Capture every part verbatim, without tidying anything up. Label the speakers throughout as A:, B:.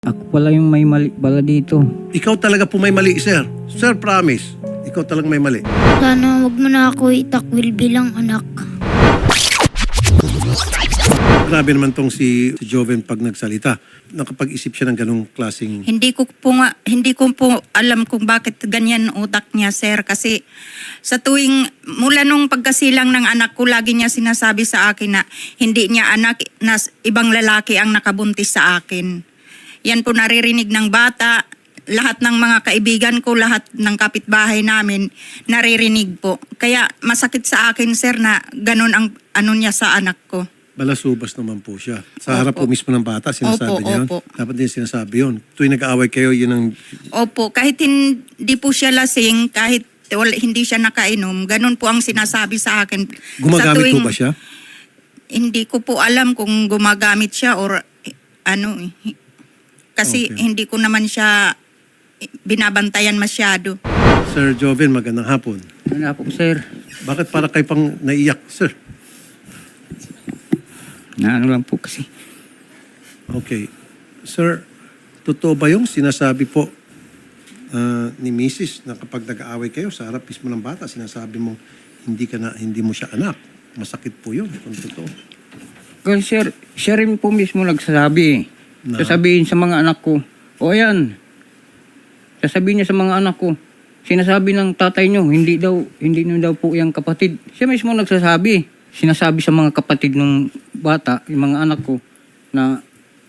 A: Ako pala yung may mali pala dito.
B: Ikaw talaga po may mali, sir. Sir, promise. Ikaw talagang may mali.
C: Sana wag mo na ako itakwil bilang anak.
B: Grabe naman tong si, si Joven pag nagsalita. Nakapag-isip siya ng ganong klaseng...
D: Hindi ko po nga, hindi ko po alam kung bakit ganyan utak niya, sir. Kasi sa tuwing, mula nung pagkasilang ng anak ko, lagi niya sinasabi sa akin na hindi niya anak, na ibang lalaki ang nakabuntis sa akin. Yan po naririnig ng bata, lahat ng mga kaibigan ko, lahat ng kapitbahay namin, naririnig po. Kaya masakit sa akin, sir, na ganun ang ano niya sa anak ko.
B: Balasubas naman po siya. Sa harap po mismo ng bata, sinasabi
D: Opo,
B: niya yun.
D: opo.
B: Dapat din sinasabi yun. Tuwing nag-aaway kayo, yun ang...
D: Opo, kahit hindi po siya lasing, kahit wala, hindi siya nakainom, ganun po ang sinasabi sa akin.
B: Gumagamit
D: Sa tuwing-
B: po ba siya?
D: Hindi ko po alam kung gumagamit siya or eh, ano eh. Kasi
B: Okay.
D: hindi ko naman siya binabantayan masyado.
B: Sir Joven, magandang hapon.
A: Ano po, sir?
B: Bakit para kayo pang naiyak, sir?
A: Na ano lang po kasi.
B: Okay. Sir, totoo ba yung sinasabi po ah, ni Missus na kapag nag-aaway kayo sa harap mismo ng bata, sinasabi mo hindi ka na, hindi mo siya anak? Masakit po yun kung totoo.
A: Kasi sir, siya rin po mismo nagsasabi eh.
B: Na?
A: Sasabihin sa mga anak ko, o ayan, sasabihin niya sa mga anak ko, sinasabi ng tatay niyo, hindi daw, hindi niyo daw po yung kapatid. Siya mismo nagsasabi. Sinasabi sa mga kapatid ng bata, yung mga anak ko, na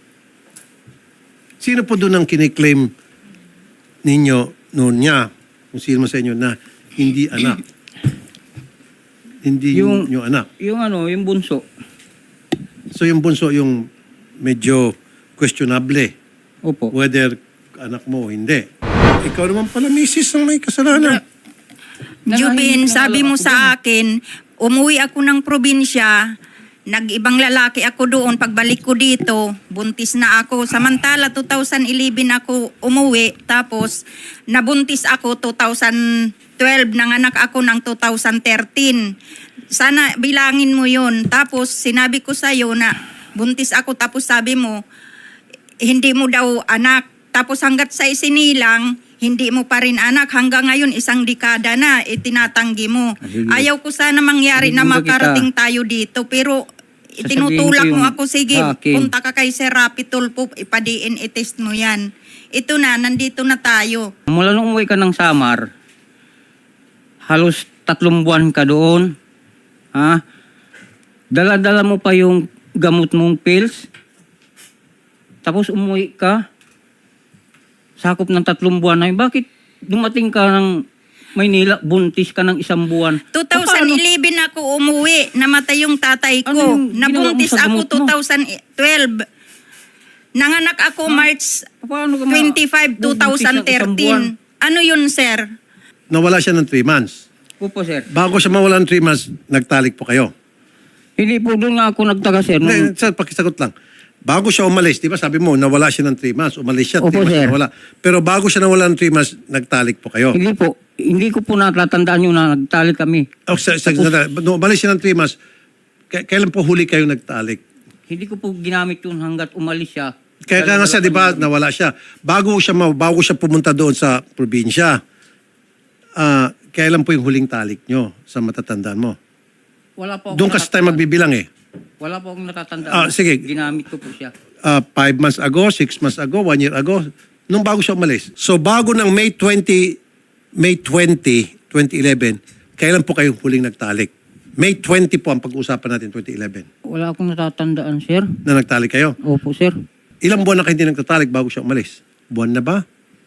B: Sino po doon ang kiniklaim ninyo noon niya, kung sino man sa inyo, na hindi anak? Hindi yung,
A: Yung-
B: yung anak.
A: yung ano, yung bunso.
B: So yung bunso yung medyo questionable
A: Opo.
B: whether anak mo o hindi. Ikaw naman pala, misis, ang may kasalanan.
D: Jubin,
A: Nanahimik na
D: sabi
A: alam
D: mo
A: ako
D: sa akin, umuwi ako ng probinsya, nag-ibang lalaki ako doon, pagbalik ko dito, buntis na ako. Samantala, two thousand eleven ako umuwi, tapos nabuntis ako two thousand twelve, nanganak ako ng two thousand thirteen. Sana bilangin mo yun. Tapos sinabi ko sa'yo na buntis ako, tapos sabi mo, hindi mo daw anak. Tapos hanggat sa isinilang, hindi mo pa rin anak. Hanggang ngayon, isang dekada na, itinatanggi mo.
A: Sige.
D: Ayaw ko sana mangyari
A: Sige,
D: na
A: muna
D: makarating
A: kita.
D: tayo dito. Pero
A: Sasabihin
D: itinutulak
A: ko yung
D: mo ako, sige,
A: akin.
D: punta ka kay Sir Rapitol po, ipa-D N A test mo yan. Ito na, nandito na tayo.
A: Mula nung umuwi ka ng Samar, halos tatlong buwan ka doon. Ha? Dala-dala mo pa yung gamot mong pills. Tapos umuwi ka. Sakop ng tatlong buwan na yun. Bakit dumating ka ng Maynila, buntis ka ng isang buwan?
D: twenty eleven ako umuwi, namatay yung tatay ko.
A: Ano yung ginawa mo
D: Nabuntis
A: sa
D: ako
A: gamot mo?
D: two thousand twelve. Nanganak ako March
A: Paano ka ma-
D: twenty-five,
A: bubuntis ng isang buwan?
D: twenty thirteen. Ano yun, sir?
B: Nawala siya ng three months.
A: Opo, sir.
B: Bago siya mawala ng three months, nagtalik po kayo.
A: Hindi po doon nga ako nagtaga, sir. Nung,
B: Hindi, sir, pakisagot lang. Bago siya umalis, di ba sabi mo, nawala siya ng three months, umalis siya,
A: Opo,
B: three months
A: sir.
B: nawala. Pero bago siya nawala ng three months, nagtalik po kayo.
A: hindi po. Hindi ko po natatandaan yun na nagtalik kami.
B: Oh, sa, sa, nung umalis siya ng three months, k- kailan po huli kayo nagtalik?
A: Hindi ko po ginamit yun hanggat umalis siya.
B: Kaya kaya nga siya, di ba, nawala siya. Bago siya, ma- bago siya pumunta doon sa probinsya, ah, kailan po yung huling talik nyo sa matatandaan mo?
A: Wala po.
B: Doon kasi tayo magbibilang eh.
A: Wala po akong natatandaan.
B: Ah, sige.
A: Ginamit ko po siya.
B: Uh, five months ago, six months ago, one year ago, nung bago siya umalis. So bago ng May twentieth, May twentieth, twenty eleven, kailan po kayong huling nagtalik? May twentieth po ang pag-uusapan natin, twenty eleven.
A: Wala akong natatandaan, sir.
B: Na nagtalik kayo.
A: Opo, sir.
B: Ilang buwan na kayo hindi nagtatalik bago siya umalis? Buwan na ba?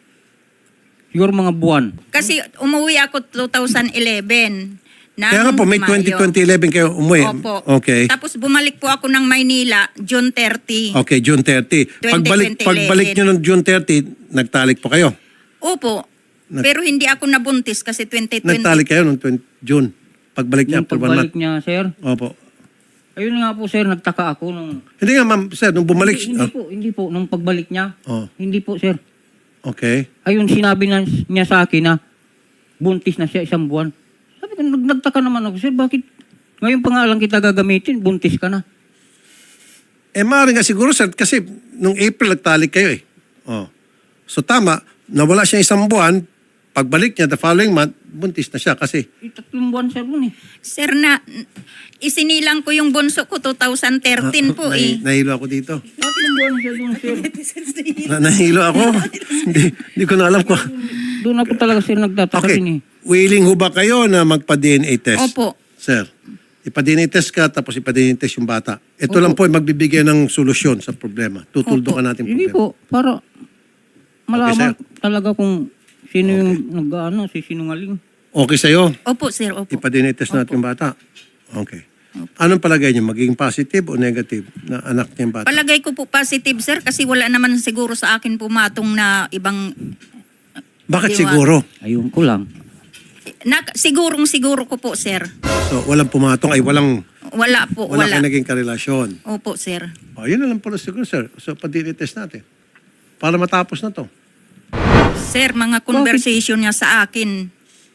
A: Siguro mga buwan.
D: Kasi umuwi ako two thousand eleven. ng
B: Kaya nga po, May twentieth,
D: Mayo.
B: twenty eleven kayo umuwi.
D: Opo.
B: Okay.
D: Tapos bumalik po ako ng Maynila, June thirtieth.
B: Okay, June thirtieth. Pagbalik,
D: twenty
B: pagbalik nyo ng June thirtieth, nagtalik po kayo.
D: Opo.
B: Nag-
D: Pero hindi ako nabuntis kasi twenty twenty.
B: Nagtalik kayo noong twenty June. Pagbalik niya
A: Yung
B: after one month.
A: pagbalik niya, sir.
B: Opo.
A: Ayun nga po, sir. Nagtaka ako nung...
B: Hindi nga, ma'am, sir, nung bumalik.
A: Hindi, hindi po, hindi po. Nung pagbalik niya.
B: Oh,
A: Hindi po, sir.
B: okay.
A: Ayun, sinabi na, niya sa akin na buntis na siya isang buwan. Sabi ko, nag- nagtaka naman ako, sir. Bakit ngayon pa nga lang kita gagamitin, buntis ka na.
B: Eh, maaaring nga siguro, sir, kasi nung April nagtalik kayo eh. Oh. So tama, nawala siya isang buwan, pagbalik niya the following month, buntis na siya kasi
A: Eh, tatlong buwan siya dun eh.
D: Sir, na isinilang ko yung bunso ko two thousand thirteen po
B: Nahi-
D: eh.
B: nahilo ako dito.
A: Tatlong buwan siya dun, sir.
B: Na, nahilo ako. hindi, hindi ko na alam ko.
A: Doon ako talaga, sir, nagtataka
B: Okay.
A: din eh.
B: Willing ho ba kayo na magpa-D N A test?
D: Opo.
B: Sir, ipa-D N A test ka tapos ipa-D N A test yung bata. Ito lang po ay magbibigay ng solusyon sa problema. Tutuldo ka natin
A: Hindi
B: problema.
A: po, para malaman
B: sir.
A: talaga kung sino yung nag-ano, si sinungaling.
B: Okay sa'yo?
D: Opo, sir. Opo.
B: Ipa-D N A test natin yung bata? Okay. Anong palagay niyo? Magiging positive o negative na anak niya yung bata?
D: Palagay ko po positive, sir, kasi wala naman siguro sa akin pumatong na ibang...
B: Bakit
D: Diwa.
B: siguro?
A: Ayun ko lang.
D: Na, sigurong siguro ko po, sir.
B: So, walang pumatong ay walang
D: Wala po,
B: wala,
D: wala.
B: kayo naging karelasyon.
D: Opo, sir.
B: O, yun na lang pala siguro, sir. So, pa-D N A test natin. Para matapos na to.
D: Sir, mga conversation niya sa akin,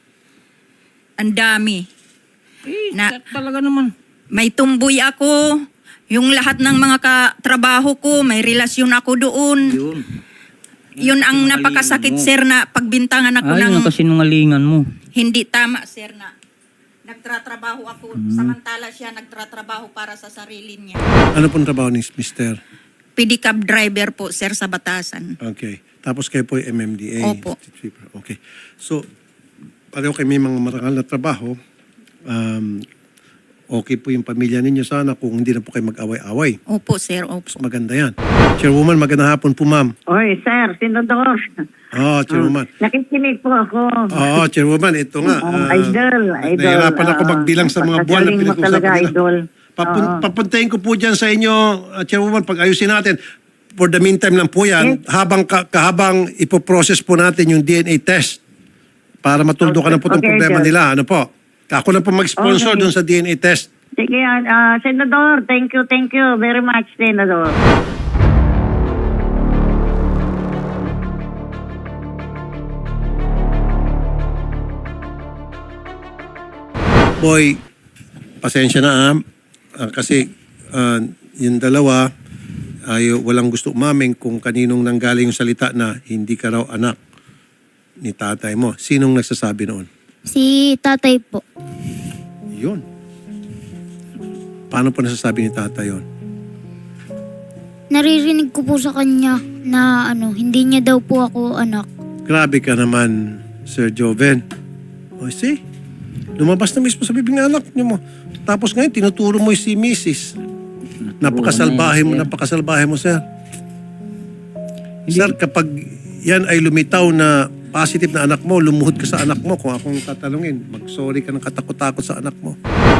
D: ang dami.
A: Eh,
D: Na-
A: talaga naman.
D: May tumboy ako. Yung lahat ng mga katrabaho ko, may relasyon ako doon.
A: Yun.
D: Yun ang
A: Sinungalingan
D: napakasakit,
A: mo.
D: sir, na pagbintangan ako
A: Ayun
D: ng
A: ang kasinungalingan mo.
D: hindi tama, sir, na nagtratrabaho ako. Samantala siya nagtratrabaho para sa sarili niya.
B: Ano pong trabaho ni mister?
D: Pedicab driver po, sir, sa Batasan.
B: Okay. Tapos kayo po yung M M D A.
D: Opo.
B: Okay. So, pareho kayo may mga marangal na trabaho. Um, okay po yung pamilya ninyo sana kung hindi na po kayo mag-away-away.
D: Opo, sir, opo.
B: Mas maganda yan. Chairwoman, magandang hapon po, ma'am.
E: Oy, sir, Senador.
B: Oo, Chairwoman.
E: Nakikinig po ako.
B: Oo, Chairwoman, ito nga.
E: Oh,
B: ah,
E: idol, idol.
B: Nahihirapan ako
E: ah,
B: magbilang sa mga buwan na
E: pagkagaling mo
B: pinag-usapan
E: talaga,
B: nila.
E: idol.
B: Papun-
E: Oo.
B: papuntahin ko po dyan sa inyo, uh, Chairwoman, pag ayusin natin. For the meantime lang po yan,
E: Yes.
B: habang ka- kahabang ipoprocess po natin yung D N A test para matuldo ka na po itong
E: Okay,
B: problema
E: sir.
B: nila. Ano po? Ako na po mag-sponsor
E: Okay.
B: dun sa D N A test.
E: Sige, ah, Senador, thank you, thank you very much, Senador.
B: Boy, pasensya na ah. Ah, kasi ah, yung dalawa ay walang gusto umamin kung kaninong nanggaling yung salita na hindi ka raw anak ni tatay mo. Sinong nagsasabi noon?
C: Si tatay po.
B: Yun. Paano po nasasabi ni tatay yun?
C: Naririnig ko po sa kanya na ano, hindi niya daw po ako anak.
B: Grabe ka naman, Sir Joven. O see, lumabas na mismo sa bibig ng anak niyo mo. Tapos ngayon, tinuturo mo si Missus Napakasalbahe mo, napakasalbahe mo, sir. Sir, kapag yan ay lumitaw na positive na anak mo, lumuhod ka sa anak mo. Kung akong tatanungin, mag-sorry ka ng katakot-takot sa anak mo.